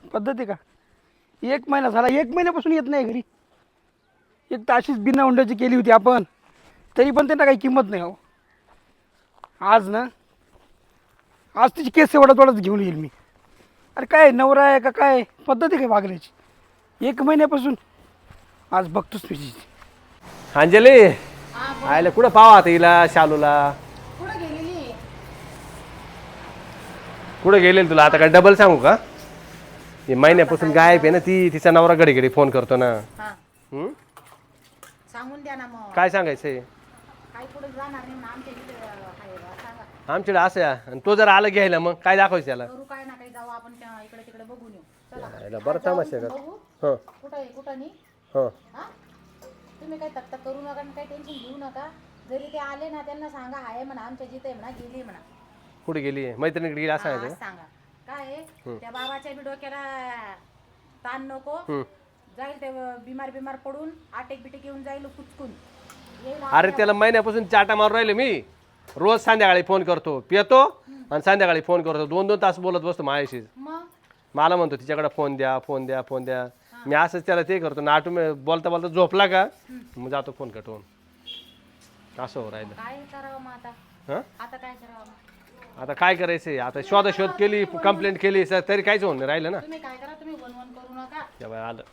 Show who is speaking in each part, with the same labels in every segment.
Speaker 1: पद्धत आहे का? 1 महिना झाला, 1 महिन्यापासून येत नाही घरी. एक तर अशीच बिना हुंड्याची केली होती आपण, तरी पण त्यांना काही किंमत नाही हो. आज ना, आज तिची केस एवढाच घेऊन येईल मी. अरे काय नवरा आहे का काय, पद्धत आहे काय वागण्याची? 1 महिन्यापासून आज बघतोच मी.
Speaker 2: अंजली आयला कुठं पावा आता हिला शालूला कुठं गेलेली तुला आता काय डबल सांगू का? हे महिन्यापासून गायब आहे ना ती, तिचा नवरा घडी घडी फोन करतो ना.
Speaker 3: सांगून द्या ना मग.
Speaker 2: काय सांगायचंय?
Speaker 3: काही पुढे जाणार नाही ना आमच्या इथे आहे बा, सांगा.
Speaker 2: आमच्याकडे असं आहे आणि तो जर आला घ्यायला मग काय दाखवायचं त्याला?
Speaker 3: करू काय ना काही जाऊ आपण इकडे तिकडे बघून येऊ. चला
Speaker 2: यायला बरं तमाशा आहे का?
Speaker 3: बघू
Speaker 2: हो
Speaker 3: कुठं आहे कुठं नाही.
Speaker 2: हो
Speaker 3: हा तुम्ही काही तक्ता करू नका आणि काही टेन्शन घेऊ नका. जरी ते आले ना त्यांना सांगा आहे म्हणा आमच्या जिथे आहे म्हणा, गेली म्हणा.
Speaker 2: कुठे गेली मैत्रिणीकडे गेली असं
Speaker 3: हा,
Speaker 2: आहे
Speaker 3: आज सांगा काय आहे, त्या बाबाच्या बी डोक्याला ताण नको. जाईल ते बिमार पडून आटेक बिटेक येऊन जाईल कुचकून येईल.
Speaker 2: अरे त्याला महिन्यापासून चाटा मारून राहिले मी. रोज संध्याकाळी फोन करतो, पितो आणि संध्याकाळी फोन करतो, 2-2 तास बोलत बसतो माझ्याशी.
Speaker 3: मग
Speaker 2: मला म्हणतो तिच्याकडे फोन द्या फोन द्या फोन द्या. मी असंच त्याला ते करतो नाटू बोलता बोलता झोपला का मग जातो फोन कटवून. असं हो राहिलं.
Speaker 3: काय करावं मग आता?
Speaker 2: हं?
Speaker 3: आता काय करावं मग?
Speaker 2: आता काय करायचंय? आता शोध केली, कंप्लेंट केली सर तरी काहीच होऊन नाही राहिलं ना.
Speaker 3: तुम्ही काय करा, तुम्ही वन करू नका.
Speaker 2: तेव्हा आलं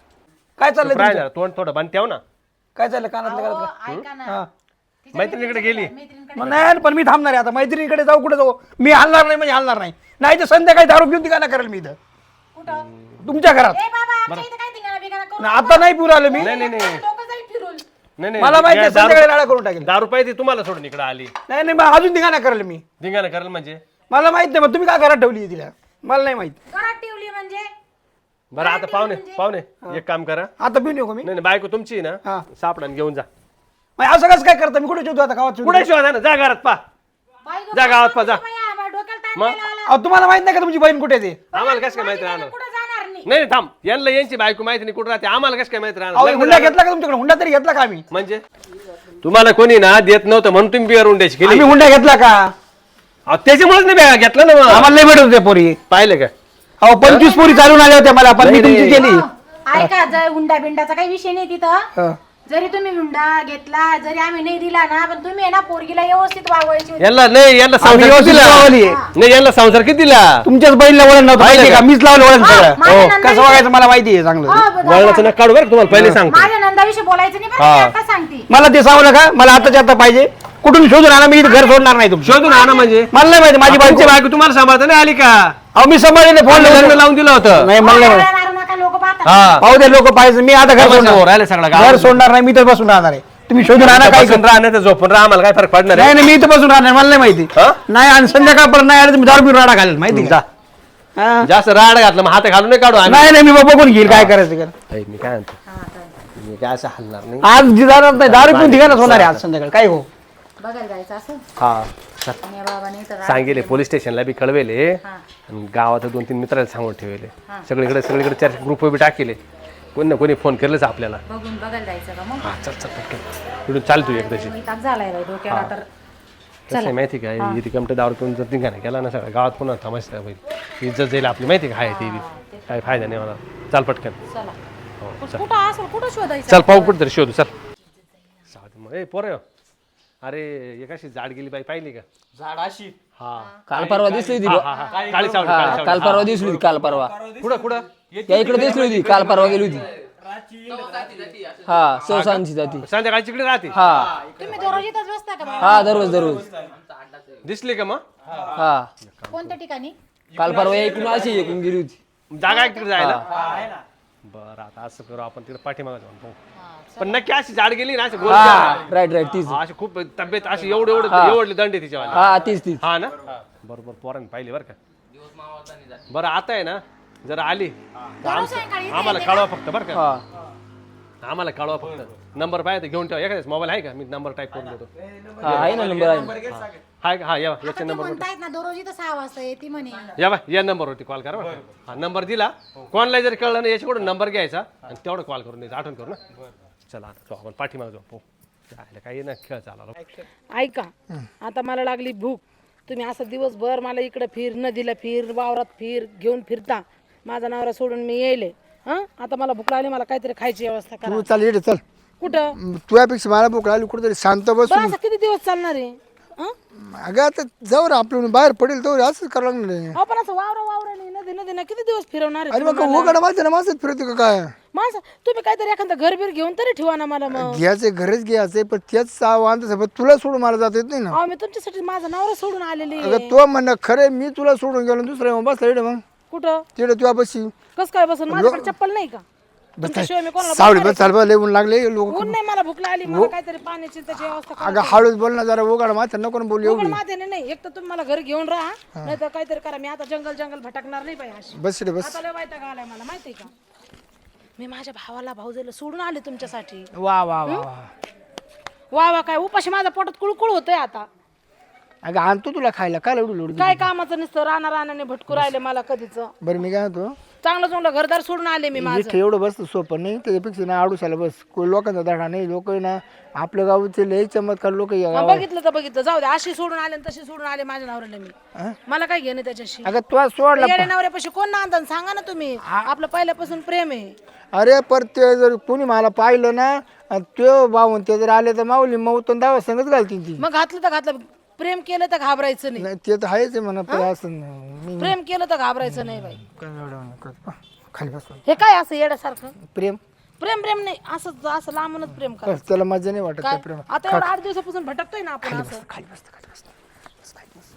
Speaker 1: काय चाललंय तुमचं?
Speaker 2: राहिलं तोंड थोडं बंद ठेव ना.
Speaker 1: काय चाललं कानातलं
Speaker 3: अहो,
Speaker 1: घालत?
Speaker 3: ऐका ना.
Speaker 1: हा.
Speaker 3: तिच्या
Speaker 2: मैत्रिणीकडे गेली.
Speaker 3: मैत्रिणीकडे
Speaker 1: मग नाही पण मी थांबणार आहे आता. मैत्रिणीकडे जाऊ कुठे जाऊ? मी हलणार नाही म्हणजे हलणार नाही. नाही तर संध्याकाळी दारू पिऊन ठिकाणा करेल मी इथं
Speaker 3: कुठं?
Speaker 1: तुमच्या घरात.
Speaker 3: ए बाबा आमच्या इथे काय धिंगाणा बिंगाणा करू
Speaker 1: नाही, आता नाही पिऊ आलो मी.
Speaker 2: नाही नाही नाही
Speaker 3: लोक जाईल फिरून.
Speaker 2: नाही
Speaker 1: मला माहिती आहे
Speaker 2: दारू-
Speaker 1: संध्याकाळी राडा करून टाकेल.
Speaker 2: दारू पाहिजे तुम्हाला सोडून इकडे आली.
Speaker 1: नाही नाही मग अजून ठिकाणा करेल मी.
Speaker 2: धिंगाणा करेल म्हणजे
Speaker 1: मला माहित नाही मग तुम्ही काय घरात ठेवली तिला, मला नाही माहित.
Speaker 3: घरात ठेवली म्हणजे
Speaker 2: बरं आता पाहुणे एक काम करा.
Speaker 1: आता पिऊन येऊ का मी?
Speaker 2: नाही नाही बायको तुमची आहे
Speaker 1: हा.
Speaker 2: ना, सापडा आणि घेऊन जा.
Speaker 1: मग असं कसं काय करता? मी कुठे ठेवतो आता गावात?
Speaker 2: कुठे शोधा ना, जा घरात पा.
Speaker 3: बाई गं,
Speaker 2: जा गावात पा, जा.
Speaker 3: बाई, आम्हाला डोक्याला ताण
Speaker 2: मग?
Speaker 3: द्यायला आला.
Speaker 1: अहो, तुम्हाला माहित नाही का तुमची बहीण कुठे आहे ते?
Speaker 2: आम्हाला कसं काय माहिती
Speaker 3: माझी
Speaker 2: राहणार?
Speaker 3: बहीण कुठं जाणार नाही.
Speaker 2: नाही थांब, यांना यांची बायको माहिती नाही कुठं राहते, आम्हाला कसं काय माहिती
Speaker 1: अहो
Speaker 2: राहणार?
Speaker 1: हुंडा घेतला का तुमच्याकडे? हुंडा तरी घेतला का आम्ही?
Speaker 2: म्हणजे तुम्हाला कोणी ना देत नव्हतं म्हणून तुम्ही बिअर उंड्याची केली.
Speaker 1: आम्ही हुंडा घेतला का?
Speaker 2: अहो, त्याच्यामुळेच नाही बॅग घेतलं ना मग.
Speaker 1: आम्हाला लय भेटत होते पोरी.
Speaker 2: पाहिलं का?
Speaker 1: अहो 25 पोरी चालून आल्या होत्या मला, पण मी
Speaker 2: नाही,
Speaker 1: तुमची
Speaker 2: नाही.
Speaker 1: केली.
Speaker 3: ऐका जर हुंडा बिंडाचा काही विषय नाही तिथं.
Speaker 1: हा.
Speaker 3: जरी तुम्ही हुंडा घेतला, जरी आम्ही नाही दिला ना, पण तुम्ही आहे ना पोरगीला व्यवस्थित वागवायची होती.
Speaker 2: यांना नाही, यांना
Speaker 1: आम्ही
Speaker 2: संसार
Speaker 1: व्यवस्थित
Speaker 2: किती दिला?
Speaker 1: लावली.
Speaker 2: नाही यांना संसार किती दिला?
Speaker 1: तुमच्याच बहिणीला वळण नव्हतं
Speaker 2: पाहिलं
Speaker 1: माहिती
Speaker 2: का?
Speaker 1: का? मीच लावलं वळण
Speaker 3: हा,
Speaker 1: सगळं.
Speaker 3: माझ्या
Speaker 1: हो.
Speaker 3: नंदा-
Speaker 1: कसं वागायचं मला माहिती आहे चांगलं.
Speaker 3: हो, बघा.
Speaker 2: वळणाचं नका काढू बरं का, तुम्हाला पहिले सांगतो.
Speaker 3: माझ्या नंदाविषयी बोलायचं नाही बरं, मी आता सांगते.
Speaker 1: मला ते सांगू का? मला आताच्या आता पाहिजे. कुठून शोधून आणा, मी इथं घर सोडणार नाही तुमचं.
Speaker 2: शोधून आणा म्हणजे
Speaker 1: मला नाही माहिती माझी
Speaker 2: तुमची
Speaker 1: बायको.
Speaker 2: बायको तुम्हाला सांभाळता नाही आली का?
Speaker 1: अहो मी सांभाळले फोन
Speaker 2: लग्न
Speaker 1: लावून
Speaker 2: लावून दिलं होतं.
Speaker 1: नाही मला नाही माहिती.
Speaker 3: मारा मारू नका, लोक पाहतात.
Speaker 2: हा
Speaker 1: पाहू दे लोक पाहिजे. मी आता घर
Speaker 2: समोर राहिलं सगळं
Speaker 1: सोडणार.
Speaker 2: गाव.
Speaker 1: घर सोडणार नाही, मी तर बसून राहणार आहे. तुम्ही शोधून आणा काय
Speaker 2: बसून राहण्याचं झोपून राहा, आम्हाला काय फरक पडणार
Speaker 1: नाही
Speaker 2: आहे?
Speaker 1: नाही मी इथं बसून राहणार, मला नाही माहिती.
Speaker 2: हा?
Speaker 1: नाही आणि संध्याकाळपर्यंत नाही आलं तुम्ही दारू पिऊन राडा घालेल माहिती
Speaker 2: जा.
Speaker 1: का? हा.
Speaker 2: जास्त राड घातलं मग हात घालून नाही काढू आम्ही.
Speaker 1: नाही नाही मी बघून घेईल काय करायचं कर.
Speaker 2: ऐक, मी काय म्हणतो,
Speaker 3: हा, चालेल.
Speaker 2: मी काय असं हलणार नाही.
Speaker 1: आज जाणार नाही, दारू पिऊन ठिकाणच होणार आहे आज संध्याकाळी. काय हो
Speaker 3: बघायला जायचं असं
Speaker 2: हा
Speaker 3: आणि या बाबाने तर
Speaker 2: सांगेले पोलीस स्टेशनला बी कळवेले
Speaker 3: हा.
Speaker 2: आणि गावात 2-3 मित्राला सांगून ठेवले. सगळीकडे चर्चा ग्रुप बी टाकेले. कोणी ना कोणी फोन केलंच आपल्याला.
Speaker 3: बघून बघायला जायचं का मग?
Speaker 2: हा चल चल पटकन इकडून चाल तू एकदाची.
Speaker 3: ताप झालाय बाई डोक्याला तर.
Speaker 2: कसं आहे माहिती काय, इथे कमटे दारू पिऊन जर निघाला गेला ना सगळ्या गावात पुन्हा थांबायचं होईल. इज्जत जाईल आपली माहिती का? आहे ती बी काही फायदा नाही मला. चाल पटकन.
Speaker 3: चला
Speaker 2: हो चल
Speaker 3: कुठं असं कुठं शोधायचं?
Speaker 2: चल पाहू कुठं तरी शोधू चल. साधू मग ए पोरं, अरे एकाशी जाड गेली बाई पाहिली का?
Speaker 4: झाड अशी
Speaker 2: हा
Speaker 5: काल परवा दिसली होती
Speaker 2: हा हा काळी सावली
Speaker 5: हा,
Speaker 2: काळी
Speaker 5: काल
Speaker 2: सावली.
Speaker 5: परवा दिसली होती काल परवा
Speaker 2: कुठं कुठं
Speaker 5: त्या इकडे दिसली होती काल परवा गेली होती हा सौसांची जाती
Speaker 2: संध्याकाळची इकडे राहते.
Speaker 5: हा
Speaker 3: तुम्ही दररोज इथंच बसता का बाबा?
Speaker 5: हा दररोज
Speaker 2: दिसली का मग?
Speaker 5: हा
Speaker 3: कोणत्या ठिकाणी?
Speaker 5: काल परवा ऐकून अशी ऐकून गेली होती
Speaker 2: जागा आहे तिकडे जायला? बरं आता असं करू आपण तिकडे पाठीमागे जाऊन पाहू. पण नक्की अशी जाड गेली ना, अशी गोल
Speaker 5: हा राईट तीच
Speaker 2: अशी खूप तब्येत अशी एवढी दंड आहे तिच्यावाली.
Speaker 5: हा तीच
Speaker 2: हा ना बरोबर पोरांनी पाहिली बरं का. बरं आता आहे ना जर आली तर आम्हाला कळवा फक्त बरं का.
Speaker 5: हा
Speaker 2: आम्हाला कळवा फक्त. नंबर पाहिजे घेऊन ठेवा. एखाद्याच मोबाईल आहे का? मी नंबर टाईप करून देतो.
Speaker 5: हा आहे ना नंबर आहे
Speaker 2: हाय का? हा या
Speaker 3: आता
Speaker 2: याच्या
Speaker 3: ते
Speaker 2: नंबर
Speaker 3: म्हणतायत ना दररोज इथं 6 वाजता येते म्हणे.
Speaker 2: या बा या नंबरवरती कॉल करा बरं. हा नंबर दिला कोणाला जर कळलं ना याच्याकडून नंबर घ्यायचा आणि तेवढं कॉल करून द्यायचा. आठवण करू ना. चला आता जाऊ आपण पाठीमागे जाऊ पाहू. जायला काही ना खेळ चालला.
Speaker 6: ऐका आता मला लागली भूक. तुम्ही असं दिवसभर मला इकडं फिर नदीला फिर वावरात फिर घेऊन फिरता.
Speaker 3: माझा नवरा सोडून मी येईल आता मला भूक लागली, मला काहीतरी खायची व्यवस्था करा.
Speaker 1: तू चाल येडे चल.
Speaker 3: कुठं
Speaker 1: तुझ्यापेक्षा मला भूक लागली कुठेतरी शांत बस.
Speaker 3: बरं असं किती दिवस चालणार आहे?
Speaker 1: अगं आता जाऊ रे आपलं बाहेर पडेल तर असंच करावं लागणार आहे.
Speaker 3: अहो पण असं वावरा नाही, नदी नदी ना किती दिवस फिरवणार आहे
Speaker 1: अरे मग उघड माझं ना माझंच फिरतो का काय?
Speaker 3: माणसं? तुम्ही काहीतरी एखादं घर बीर घेऊन तरी ठेवा ना मला मग.
Speaker 1: घ्यायचं घरच घ्यायचं पण तेच वांधायचं पण तुला सोडून मला जात येत नाही ना.
Speaker 3: अहो मी तुमच्यासाठी माझा नवरा सोडून आलेली आहे.
Speaker 1: अगं तो म्हणणं खरं मी तुला सोडून गेलो दुसऱ्या मग बसला येडे मग
Speaker 3: कुठं
Speaker 1: तिकडे तुझ्या बशी
Speaker 3: कस काय बसून? माझ्याकडे चप्पल नाही का? तुमच्याशिवाय मी कोणाला
Speaker 1: सावली
Speaker 3: बोलणार
Speaker 1: बस चाल बा लेऊन लागले लोक.
Speaker 3: आहे? ऊन नाही, मला भूक लागली, मला काहीतरी पाण्याची त्याची व्यवस्था करा.
Speaker 1: अगं हळूच बोल ना जरा उघड माथा नको ना बोलू
Speaker 3: उघड
Speaker 1: एवढी.
Speaker 3: मातेने नाही, एक तर तुम्ही मला घरी घेऊन राहा, नाही तर काहीतरी करा. मी आता जंगल भटकणार नाही पाहिजे अशी.
Speaker 1: बस रे बस.
Speaker 3: आता लय वैताग आलाय मला माहितीये का. मी माझ्या भावाला भाऊजाईला सोडून आले तुमच्यासाठी.
Speaker 1: वा वा वा वा.
Speaker 3: वा वा काय उपाशी माझ्या पोटात कुळकुळ होतंय आता.
Speaker 1: अगं आणतो तुला खायला काय एवढी लोड.
Speaker 3: काय कामाचं नुसतं रानाने भटकू राहिले मला कधीच.
Speaker 1: बरं मी काय होतो
Speaker 3: चांगलं घरदार सोडून आले मी माझं.
Speaker 1: इथे एवढं बसतं सोपं नाही त्याच्यापेक्षा ना आडूशाला बस कोण लोकांचा धडा नाही. लोक ना आपल्या गावचे लय चमत्कार लोक.
Speaker 3: बघितलं तर बघितलं, जाऊ दे. अशी सोडून आले आणि तशी सोडून आले माझ्या नवऱ्याला मी. मला काय घेणे त्याच्याशी?
Speaker 1: अगं तुला सोडला.
Speaker 3: येड्या नवऱ्यापाशी कोण नांदन सांगा ना तुम्ही. आपलं पहिल्यापासून प्रेम आहे.
Speaker 1: अरे पर ते जर कोणी मला पाहिलं ना तो भाऊन ते जर आले तर माऊली मऊतून दावा संगत घालतील ती.
Speaker 3: मग घातलं तर घातलं, प्रेम केलं तर घाबरायचं नाही.
Speaker 1: नाही ते तर आहेच आहे म्हणा पण असं मी
Speaker 3: प्रेम केलं तर घाबरायचं नाही बाई.
Speaker 1: काय एवढं करत. खाली बस.
Speaker 3: हे काय असं येड्यासारखं?
Speaker 1: प्रेम
Speaker 3: प्रेम नाही, असं लांबूनच प्रेम करा.
Speaker 1: बस, त्याला मजा नाही वाटत त्या
Speaker 3: काय
Speaker 1: प्रेम.
Speaker 3: आता एवढं 8 दिवसापासून भटकतोय ना आपण असं.
Speaker 1: खाली बस खाली बस बस, खाली बस.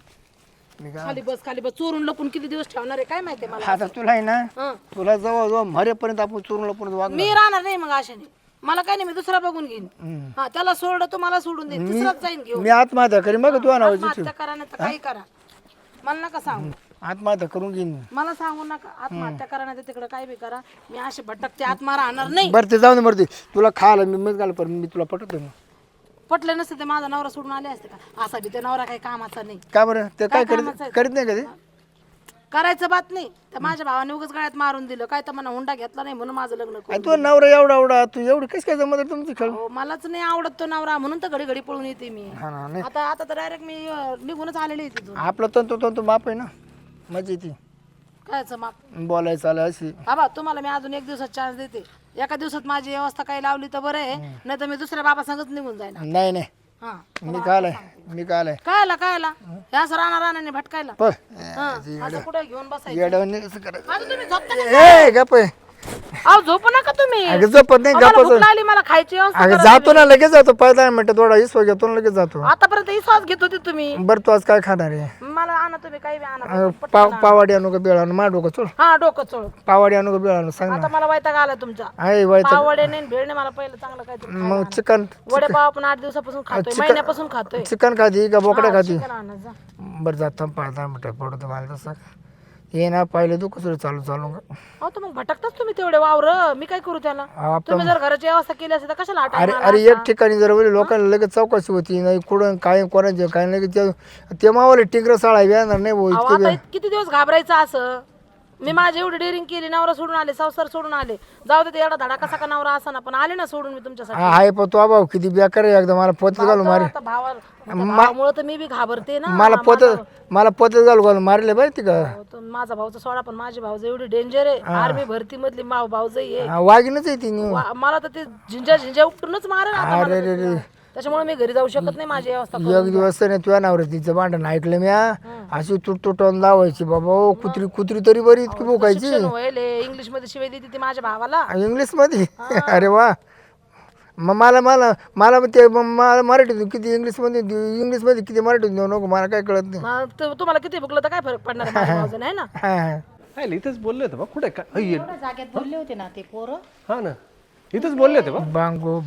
Speaker 1: मी काय
Speaker 3: खाली बस चोरून लपून किती दिवस ठेवणार आहे काय माहिती मला.
Speaker 1: आता तुला आहे ना
Speaker 3: हं.
Speaker 1: तुला जवळ मरेपर्यंत आपण चोरून लपून वागणार.
Speaker 3: मी राहणार नाही मग अशाने. मला काय नाही, मी दुसरा बघून घेईन. हा त्याला सोडलं तो मला सोडून दे, दुसराच जाईन घेऊन.
Speaker 1: मी आत्महत्या करीन बघ तुझ्या नावाची.
Speaker 3: आत्महत्या करा नाही तर काही करा, मला नका सांगू.
Speaker 1: आत्महत्या करून घेईन.
Speaker 3: मला सांगू नका. आत्महत्या करा नाही तर तिकडे काय बी करा. मी असे भटकते आत्मा राहणार नाही.
Speaker 1: बरं ते जाऊ दे मरते तुला खायला मी मग घाल पण मी तुला पटवतो ना.
Speaker 3: पटले नसते ते माझा नवरा सोडून आले असते का? असा बी ते नवरा काही कामाचा नाही.
Speaker 1: का बरं ते काय
Speaker 3: कामाचं आहे?
Speaker 1: करीत नाही कधी.
Speaker 3: करायचं बात नाही. तर माझ्या भावाने उगाच गळ्यात मारून दिलं काय, तर मला हुंडा घेतला नाही म्हणून माझं लग्न करून.
Speaker 1: तू नवरा एवढा एवढा तू एवढी कशी काय जमत आहे तुमची खेळ.
Speaker 3: हो, मलाच नाही आवडत तो नवरा म्हणून तर घडी घडी पळून येते मी.
Speaker 1: हा ना नाही
Speaker 3: आता तर डायरेक्ट मी निघूनच आलेली आहे तिथून.
Speaker 1: आपलं तंतू बाप आहे ना मजा येते
Speaker 3: कायचं माप.
Speaker 1: बोलायचं आलं अशी.
Speaker 3: बाबा तुम्हाला मी अजून 1 दिवसात चान्स देते. एका दिवसात माझी व्यवस्था काही लावली तर बरं आहे, नाही तर मी दुसऱ्या बाबा संगच निघून जाईन.
Speaker 1: नाही नाही
Speaker 3: हा
Speaker 1: मी काय आलाय
Speaker 3: कायला हे असं रानाने भटकायला.
Speaker 1: पण
Speaker 3: असं कुठे घेऊन बसायचं?
Speaker 1: येडवणी कसं करायचं.
Speaker 3: आता तुम्ही झोपता का?
Speaker 1: ए गप आहे.
Speaker 3: अहो झोपू नका तुम्ही.
Speaker 1: अगं झोपत नाही
Speaker 3: मला
Speaker 1: गप्पा.
Speaker 3: भूक लागली, मला खायची व्यवस्था
Speaker 1: अगं
Speaker 3: करा
Speaker 1: जातो ना लगेच जातो 15 मिनिटं थोडा इसवा घेतो ना लगेच जातो.
Speaker 3: तुम्ही. आतापर्यंत विश्वास घेत होते तुम्ही.
Speaker 1: बरं तू आज काय खाणार आहे.
Speaker 3: मला आणा तुम्ही काही बी आणा.
Speaker 1: पावाडी आणू का बेळ आणू मा डोकं चोळ.
Speaker 3: हा डोकं चोळ.
Speaker 1: पावाडी आणू का बेळ आणू सांग ना.
Speaker 3: आता मला वैताग आला तुमचा.
Speaker 1: आहे व्हायचं
Speaker 3: पावडे नाही भेळ नाही, मला पहिलं चांगलं काहीतरी खायला
Speaker 1: मग
Speaker 3: आणा.
Speaker 1: चिकन
Speaker 3: वडेपाव आपण 8 दिवसापासून खातोय, महिन्यापासून खातोय.
Speaker 1: चिकन खाती का बोकडा खाती.
Speaker 3: चिकन आणा जा.
Speaker 1: बरं जात 15 मिनिटं पडतो मला तसं ये ना पाहिलं तू कसं चालू
Speaker 3: अहो तर मग भटकताच तुम्ही तेवढे वावर, मी काय करू त्याला?
Speaker 1: आपण
Speaker 3: तुम्ही जर घराची व्यवस्था केली असते तर कशाला
Speaker 1: अरे
Speaker 3: आठवण
Speaker 1: अरे एक ठिकाणी जर बोलले लोकांना लगेच चौकशी होती नाही कुठं काय कोणाचे काय लगेच ते मावाले टिंगर साळा येणार नाही भाऊ इतके
Speaker 3: आता किती दिवस घाबरायचं असं? मी माझी एवढी डेअरिंग केली, नवरा सोडून आले, संसार सोडून आले. जाऊ दे एवढा धडा कसा का नवरा असा ना, पण आले ना सोडून मी तुमच्यासाठी.
Speaker 1: आहे पण तो भाऊ किती बेकार आहे एकदा मला पोत घालून मारे.
Speaker 3: आता भावामुळे तर मी बी घाबरते ना.
Speaker 1: मला पोत घालून मारले पाहिजे का.
Speaker 3: तो माझा भाऊचा सोडा, पण माझी भाऊज एवढी डेंजर आहे. आर्मी भरती मधली भाऊजाई आहे.
Speaker 1: वाघीनच आहे ती
Speaker 3: मला तर ते झिंजा उपटूनच मारेल आता मला
Speaker 1: अरे
Speaker 3: तर.
Speaker 1: रे
Speaker 3: त्याच्यामुळे मी घरी जाऊ शकत नाही माझी व्यवस्था करून.
Speaker 1: एक दिवस नाही तुझ्या नावर तिचं भांडण ऐकलं मी अशी तुटून लावायची बाबा ओ कुत्री तरी बरी इतकी भोकायची.
Speaker 3: शिक्षण व्हायले इंग्लिश मध्ये शिवाय देते ती माझ्या भावाला.
Speaker 1: इंग्लिश मध्ये अरे वा मग मला ते मला मराठीतून किती इंग्लिश मध्ये किती मराठीतून देऊ नको मला काय कळत नाही.
Speaker 3: तुम्हाला किती भुकलं तर काय फरक पडणार आहे माझ्या भावाचं, नाही ना?
Speaker 2: काय इथंच बोलले होते बा कुठे काय
Speaker 3: एवढ्या जागेत बोलले होते ना ते पोरं.
Speaker 2: हा ना इथंच बोलले होते बा.
Speaker 1: बांगो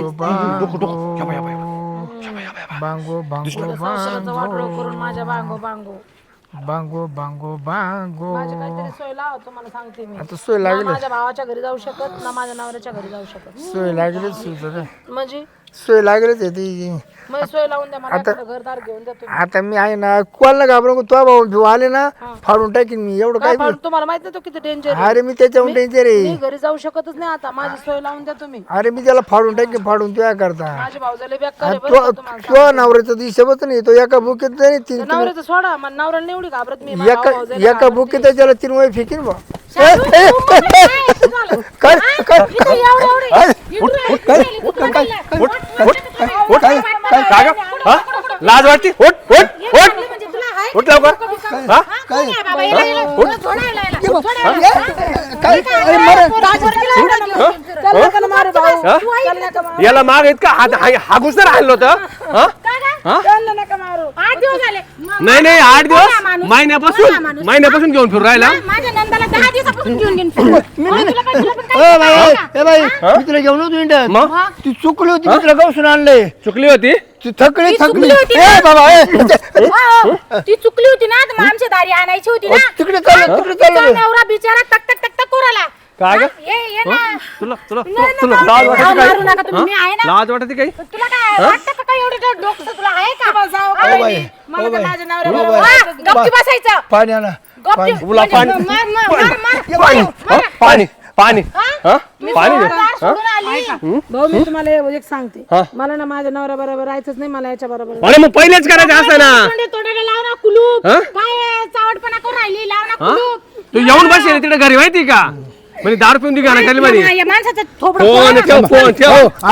Speaker 3: संसाराचं वाटोळं करून माझ्या
Speaker 1: बांगो
Speaker 3: माझी काहीतरी सोय लावा तुम्हाला सांगते मी.
Speaker 1: आता सोय
Speaker 3: ना
Speaker 1: लागली
Speaker 3: माझ्या भावाच्या घरी जाऊ शकत ना माझ्या नवऱ्याच्या घरी जाऊ शकत.
Speaker 1: सोय लागली
Speaker 3: म्हणजे
Speaker 4: सोय लागलीच आहे ती.
Speaker 3: मग सोय लावून द्या मला एखादं घरदार घेऊन द्या तुम्ही.
Speaker 4: आता मी आहे ना कोणाला घाबरून तो भाऊ भिऊ आले ना फाडून टाकीन मी एवढं
Speaker 3: काय
Speaker 4: काय
Speaker 3: फाडून तुम्हाला माहित नाही तो किती डेंजर
Speaker 4: अरे मी त्याच्याहून टेन्शन
Speaker 3: मी
Speaker 4: रे.
Speaker 3: घरी जाऊ शकतच नाही आता माझी सोय लावून द्या तुम्ही.
Speaker 4: अरे मी त्याला फाडून टाकीन फाडून तुया करता.
Speaker 3: माझे भाऊजाले बेकार आहे बरं का तुम्हाला.
Speaker 4: तो नवऱ्याचा हिशोबच नाही तो एका बुकीत नाही तीन
Speaker 3: नवऱ्याचं सोडा मला नवऱ्याला नाही एवढी घाबरत मी माझ्या भाऊजाला
Speaker 4: एका बुकीत त्याला 3 वेळ फेकीन बा.
Speaker 2: लाज वाटते उठ उठ उठ उठ लवकर हा याला माग इतका हा घुसणार राहिलो होतं नाही नाही 8 दिवस महिन्यापासून घेऊन फिरू राहिला.
Speaker 3: माझ्या नंदाला 10 दिवसापासून घेऊन घेऊन
Speaker 4: मी तुला घेऊन होतो इंडियात.
Speaker 2: मग
Speaker 4: ती चुकली होती मी तुला गावसून आणलंय.
Speaker 2: चुकली होती
Speaker 4: ती थकली
Speaker 3: चुकली होती
Speaker 4: ए बाबा
Speaker 3: ती चुकली होती ना तर आमच्या दारी आणायची होती ना.
Speaker 4: तिकडे चाललो
Speaker 3: तिचा नवरा बिचारा तक तक तक तक कोराला.
Speaker 2: काय ग
Speaker 3: ये ना.
Speaker 2: तुला
Speaker 3: नाही,
Speaker 2: लाज
Speaker 3: नाही,
Speaker 2: वाटते
Speaker 3: मारू नका तुम्ही, मी आहे
Speaker 2: काही
Speaker 3: ना.
Speaker 2: लाज वाटते काही
Speaker 3: तुला काय वाटतं का काय एवढं डोकं तुला आहे का? मला तर माझ्या नवऱ्याबरोबर गप्पी बसायचं.
Speaker 4: पाणी आणा
Speaker 3: गप्पी
Speaker 2: तुला पाणी
Speaker 3: मार मार मार
Speaker 2: पाणी पाणी पाणी
Speaker 3: हा? मी
Speaker 2: पाणी दे.
Speaker 3: सोडून सोडून आली. भाऊ मी तुम्हाला एक सांगते मला ना माझ्या नवऱ्या बरोबर राहायचंच नाही मला याच्या बरोबर.
Speaker 2: अरे मग पहिलेच करायचं असं ना
Speaker 3: तोंडाला लाव ना कुलूप. काय चावटपणा करून राहिली लाव ना कुलूप.
Speaker 2: तू येऊन बसेल तिकडे घरी माहिती का म्हणजे दारू पिऊन ती गाणं खाली मध्ये
Speaker 3: या माणसाचं थोबडं
Speaker 2: फोन ठेव फोन ठेव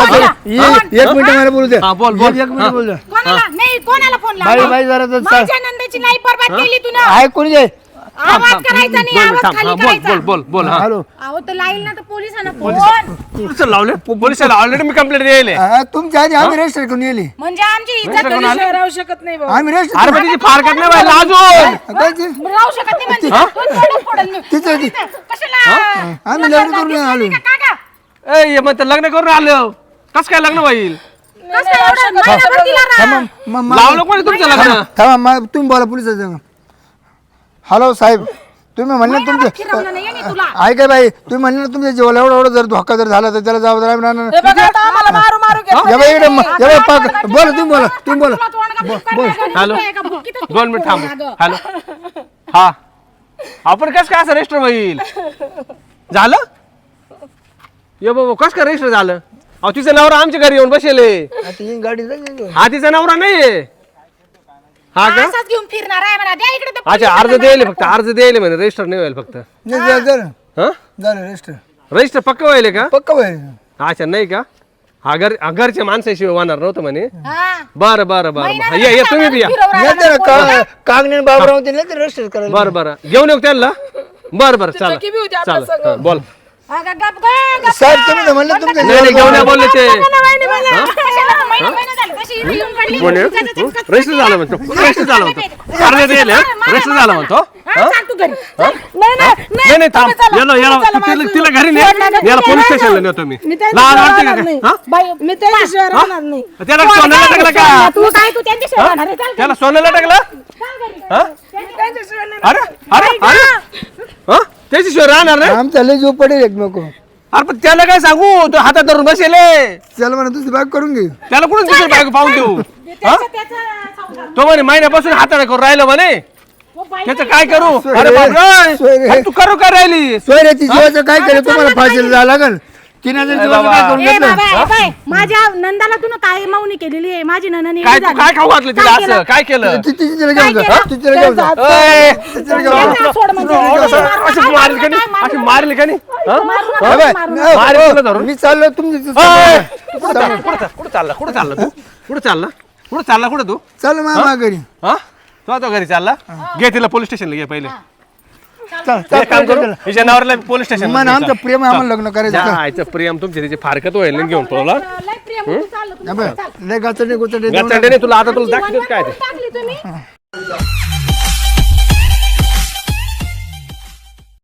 Speaker 4: एक मिनिट मला बोलू दे.
Speaker 2: हा, बोल, बोल.
Speaker 4: एक मिनिट बोलू दे.
Speaker 3: कोणाला नाही कोणाला फोन
Speaker 4: बाई
Speaker 3: लावला?
Speaker 4: बाई जरा तर
Speaker 3: माझ्या नंदाची लाईफ बरबाद केली तू ना.
Speaker 4: ऐकून घे.
Speaker 3: आवाज करायचा नाही आवाज खाली
Speaker 2: बोल
Speaker 3: करायचा.
Speaker 2: बोल बोल बोल हा
Speaker 4: हॅलो
Speaker 3: अहो तर लाईल ना तर पोलिसांना फोन.
Speaker 2: पोलिसाला लावले पोलिसाला ऑलरेडी मी कंप्लेंट द्यायले
Speaker 4: तुमच्या आधी आम्ही रजिस्टर करून येली.
Speaker 3: म्हणजे आमची इज्जत कधी राहू शकत नाही भाऊ.
Speaker 4: आम्ही रजिस्टर
Speaker 2: अरे पण तिची फारकत नाही व्हायला अजून
Speaker 3: राहू शकत नाही म्हणजे दोन तोंडं फोडेल मी.
Speaker 4: तिचं
Speaker 3: कशाला
Speaker 4: आम्ही लग्न करून आलो.
Speaker 3: काका
Speaker 2: ए मग लग्न करून आलं कस काय लग्न होईल
Speaker 3: कसं एवढं महिनाभर दिला ना.
Speaker 2: लावलं कोणी तुमचं लग्न
Speaker 4: थांबा तुम्ही बोला पोलिसाचं. हॅलो साहेब तुम्ही म्हणले
Speaker 3: महिनाभर
Speaker 4: तुमचे
Speaker 3: फिरवलं नाही यांनी तुला.
Speaker 4: ऐका बाई तुम्ही म्हणले ना तुमच्या जीवाला एवढा एवढा जर धोका जर झाला तर त्याला जबाबदार आम्ही राहणार.
Speaker 3: हे बघा आता आम्हाला मारू मारू घेतलं.
Speaker 4: या बाई इकडे या बाई पाक बोला तुम्ही बोला तुम्ही बोला.
Speaker 3: तुला तोंड का बुक्का टाकायला
Speaker 2: हॅलो
Speaker 3: नको आहे का? बुक्कीतच तोंड
Speaker 2: 2 मिनिट थांब
Speaker 3: फोडून
Speaker 2: हॅलो हा आपण कस काय असं रजिस्टर होईल झालं ये बाबा कस काय रजिस्टर झालं अहो तिचा नवरा आमच्या घरी येऊन बसेले
Speaker 4: आता ही गाडी जाईल.
Speaker 2: हा तिचा नवरा नाहीये हा का
Speaker 3: असाच घेऊन फिरणार आहे म्हणा. द्या इकडे ते
Speaker 2: अच्छा अर्ज द्यायले फक्त अर्ज द्यायले म्हणे रजिस्टर नाही होईल फक्त
Speaker 4: नाही झालं
Speaker 2: हा
Speaker 4: झालं रजिस्टर
Speaker 2: रजिस्टर पक्क व्हायले का
Speaker 4: पक्का बाई.
Speaker 2: अच्छा नाही का हा घरच्या माणसाशिवाय होणार नव्हतं म्हणे
Speaker 3: हा.
Speaker 2: बरं बरं बरं ये तुम्ही बी या
Speaker 4: नाही तर कागणे बाबराव ते नाही रजिस्टर करायला.
Speaker 2: बरं बरं घेऊन येऊ त्यांना बरं बरं चालेल चालेल बोल
Speaker 3: अगं गप गप.
Speaker 4: साहेब तुम्ही तर म्हणले तुमच्या
Speaker 2: नाही नाही घेऊन या बोलले ते
Speaker 3: कशाला तू महिना झाला तशी इथे येऊन पडली.
Speaker 2: कोण रजिस्टर झालं म्हणतो रजिस्टर झालं म्हणतो अर्ज द्यायले रजिस्टर झालं म्हणतो
Speaker 3: हा, चाल तू घरी.
Speaker 2: नाही नाही थांब याला तिला घरी नाही याला पोलीस स्टेशनला नेतो मी लहान वाटते का काय? हा?
Speaker 3: मी त्याच्याशिवाय राहणार नाही.
Speaker 2: त्याला सोन्याला टाकलं का
Speaker 3: तू काय तू त्यांच्याशिवाय राहणार आहे? चाल
Speaker 2: त्याला सोन्याला टाकलं हा?
Speaker 3: त्यांच्याशिवाय नाही.
Speaker 2: अरे अरे अरे हा त्याच्याशिवाय राहणार नाही
Speaker 4: आमचा लय जो पडेल एकमेक.
Speaker 2: अरे पण त्याला काय सांगू तो हातात धरून बसेले
Speaker 4: चल म्हणा दुसरी बाग करून घे.
Speaker 2: त्याला कुठून दुसरी बायको पाहून देऊ
Speaker 3: त्याचा संसार.
Speaker 2: तो म्हणे महिन्यापासून हाताने करून राहिलं म्हणे
Speaker 3: हो बाई,
Speaker 2: त्याचं काय करू अरे बापरे
Speaker 4: सोयरे.
Speaker 2: अरे तू करू काय राहिली
Speaker 4: सोयऱ्याची जीवाचं काय केलं तुम्हाला फाशीला जावं लागल. 3000 जीवाचं काय करून
Speaker 3: ए
Speaker 4: घेतलं.
Speaker 3: बाबा, ए बाई, माझ्या नंदाला तू काय मावणी केलेली आहे. माझी नंदाने
Speaker 2: काय तू काय खाऊ घातलं तिला असं काय केलं
Speaker 4: तिला घेऊन जा तिला घेऊन जा.
Speaker 2: ए,
Speaker 3: सोड म्हणजे.
Speaker 2: असं मारेल का नाही असं मारेल का नाही हा?
Speaker 4: हा बाई,
Speaker 2: मारेल तुला धरून
Speaker 4: मी चाललो तुमची
Speaker 2: ए, कुठं चालला कुठं चालला कुठं चालला तू कुठं चालला कुठं चालला कुठं तू
Speaker 4: चल मामा घरी.
Speaker 2: हा तू आता घरी चालला घे तिला पोलीस स्टेशनला घे पहिले
Speaker 4: चल
Speaker 2: एक काम करू हिच्या नवऱ्याला पोलीस स्टेशन
Speaker 4: मन आमचं प्रेम आहे, आम्हाला लग्न करायचं.
Speaker 2: आयचं प्रियम तुमच्या तिचे फारकत होईल ना घेऊन पळवला
Speaker 3: लय प्रिय म्हणून चाललं तुम्ही.
Speaker 4: लय गाचडे गुचडे
Speaker 2: गचंडे नाही तुला आता तुला दाखवतेच काय ते
Speaker 3: टाकली तुम्ही